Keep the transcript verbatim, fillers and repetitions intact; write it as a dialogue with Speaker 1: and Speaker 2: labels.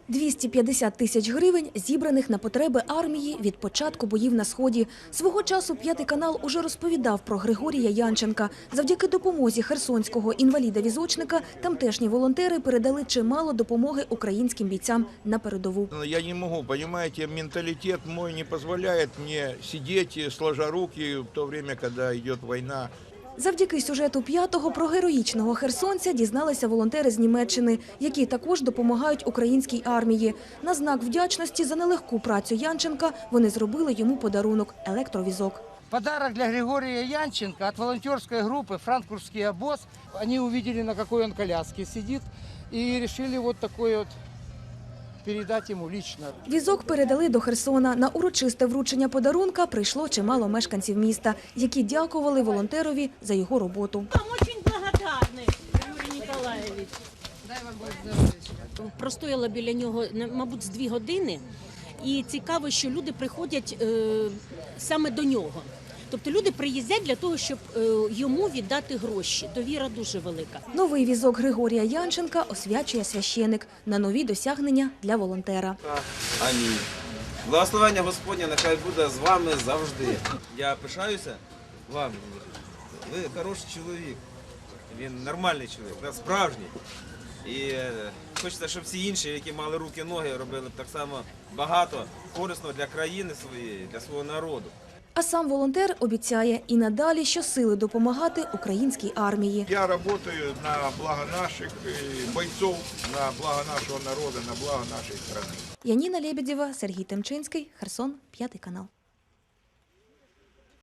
Speaker 1: двісті п'ятдесят тисяч гривень, зібраних на потреби армії від початку боїв на Сході. Свого часу «П'ятий канал» уже розповідав про Григорія Янченка. Завдяки допомозі херсонського інваліда-візочника тамтешні волонтери передали чимало допомоги українським бійцям на передову.
Speaker 2: Я не можу, розумієте, менталітет мій не дозволяє мені сидіти, сложа руки в то время, коли йде війна.
Speaker 1: Завдяки сюжету «П'ятого» про героїчного херсонця дізналися волонтери з Німеччини, які також допомагають українській армії. На знак вдячності за нелегку працю Янченка вони зробили йому подарунок – електровізок.
Speaker 3: Подарок для Григория Янченко от волонтерской группы «Франкфуртский обоз». Они увидели, на какой он коляске сидит, и решили вот такой вот передать ему лично.
Speaker 1: Візок передали до Херсона. На урочисте вручення подарунка прийшло чимало мешканців міста, які дякували волонтерові за його роботу.
Speaker 4: Вам дуже благодарні, Юрій Ніколаєвич. Дай вам Бог здоров'я. Простояла біля нього, мабуть, з дві години. І цікаво, що люди приходять е, саме до нього. Тобто люди приїздять для того, щоб е, йому віддати гроші. Довіра дуже велика.
Speaker 1: Новий візок Григорія Янченка освячує священик на нові досягнення для волонтера.
Speaker 5: Амінь. Благословення Господнє нехай буде з вами завжди. Я пишаюся вами. Ви хороший чоловік. Він нормальний чоловік, справжній. І хочеться, щоб всі інші, які мали руки, ноги, робили б так само багато корисного для країни своєї, для свого народу.
Speaker 1: А сам волонтер обіцяє і надалі щосили допомагати українській армії.
Speaker 2: Я працюю на благо наших бойців, на благо нашого народу, на благо нашої країни.
Speaker 1: Яніна Лебедєва, Сергій Темчинський, Херсон, «П'ятий канал».